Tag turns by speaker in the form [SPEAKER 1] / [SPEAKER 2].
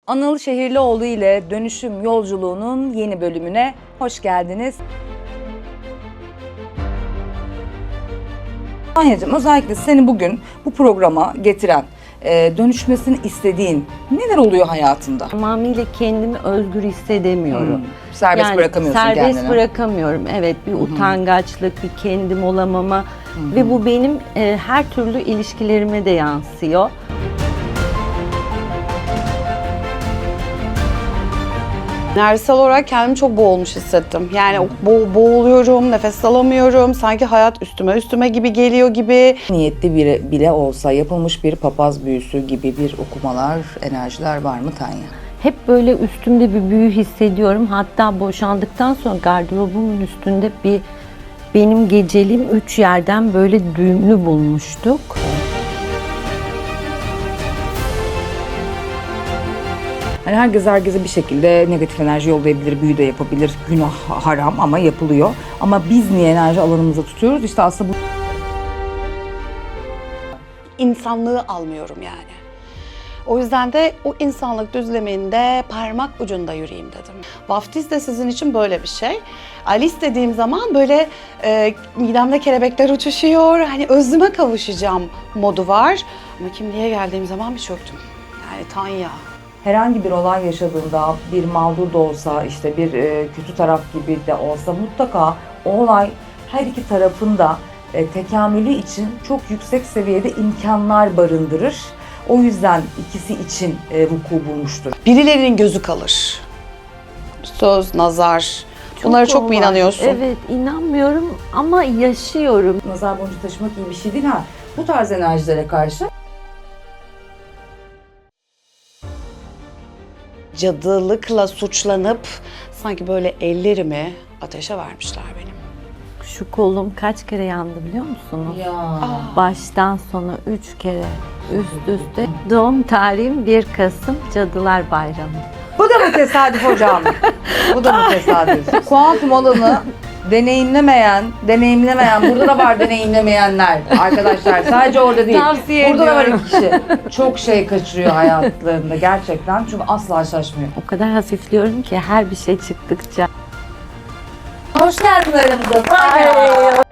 [SPEAKER 1] Anıl Şehirlioğlu ile Dönüşüm Yolculuğu'nun yeni bölümüne hoş geldiniz. Tanyacığım, özellikle seni bugün bu programa getiren, dönüşmesini istediğin neler oluyor hayatında?
[SPEAKER 2] Tamamıyla kendimi özgür hissedemiyorum.
[SPEAKER 1] Serbest bırakamıyorsun kendini.
[SPEAKER 2] Serbest bırakamıyorum. Evet, bir utangaçlık, bir kendim olamama ve bu benim her türlü ilişkilerime de yansıyor.
[SPEAKER 3] Enerjisel olarak kendimi çok boğulmuş hissettim. Yani boğuluyorum, nefes alamıyorum. Sanki hayat üstüme gibi geliyor gibi.
[SPEAKER 1] Niyetli bile olsa yapılmış bir papaz büyüsü gibi bir okumalar, enerjiler var mı Tanya?
[SPEAKER 2] Hep böyle üstümde bir büyü hissediyorum. Hatta boşandıktan sonra gardırobumun üstünde benim geceliğim 3 yerden böyle düğümlü bulmuştuk.
[SPEAKER 1] Yani herkese bir şekilde negatif enerji yollayabilir, büyü de yapabilir. Günah haram ama yapılıyor. Ama biz niye enerji alanımıza tutuyoruz? İşte aslında bu...
[SPEAKER 3] İnsanlığı almıyorum yani. O yüzden de o insanlık düzleminde parmak ucunda yürüyeyim dedim. Vaftiz de sizin için böyle bir şey. Alice dediğim zaman böyle midemde kelebekler uçuşuyor. Hani özüme kavuşacağım modu var. Ama kimliğe geldiğim zaman bir çöktüm. Yani Tanya.
[SPEAKER 1] Herhangi bir olay yaşadığında bir mağdur da olsa, işte bir kötü taraf gibi de olsa mutlaka o olay her iki tarafın da tekamülü için çok yüksek seviyede imkanlar barındırır. O yüzden ikisi için vuku bulmuştur.
[SPEAKER 3] Birilerinin gözü kalır. Söz, nazar. Bunlara çok mu
[SPEAKER 2] var.
[SPEAKER 3] inanıyorsun?
[SPEAKER 2] Evet, inanmıyorum ama yaşıyorum.
[SPEAKER 1] Nazar boncuğu taşımak iyi bir şey değil ha. Bu tarz enerjilere karşı
[SPEAKER 3] Cadılıkla suçlanıp sanki böyle ellerimi ateşe vermişler benim.
[SPEAKER 2] Şu kolum kaç kere yandı biliyor musunuz?
[SPEAKER 1] ya.
[SPEAKER 2] Baştan sona 3 kere üst üste. Doğum tarihim 1 Kasım Cadılar Bayramı.
[SPEAKER 1] Bu da mı tesadüf hocam? Bu da mı tesadüf? Kuantum alanı deneyimlemeyen, burada da var deneyimlemeyenler arkadaşlar. Sadece orada değil.
[SPEAKER 2] Tavsiye
[SPEAKER 1] burada da var
[SPEAKER 2] ediyorum.
[SPEAKER 1] iki kişi. Çok şey kaçırıyor hayatlarında gerçekten. Çünkü asla şaşmıyor.
[SPEAKER 2] O kadar hafifliyorum ki her bir şey çıktıkça.
[SPEAKER 1] Hoş geldin aramıza.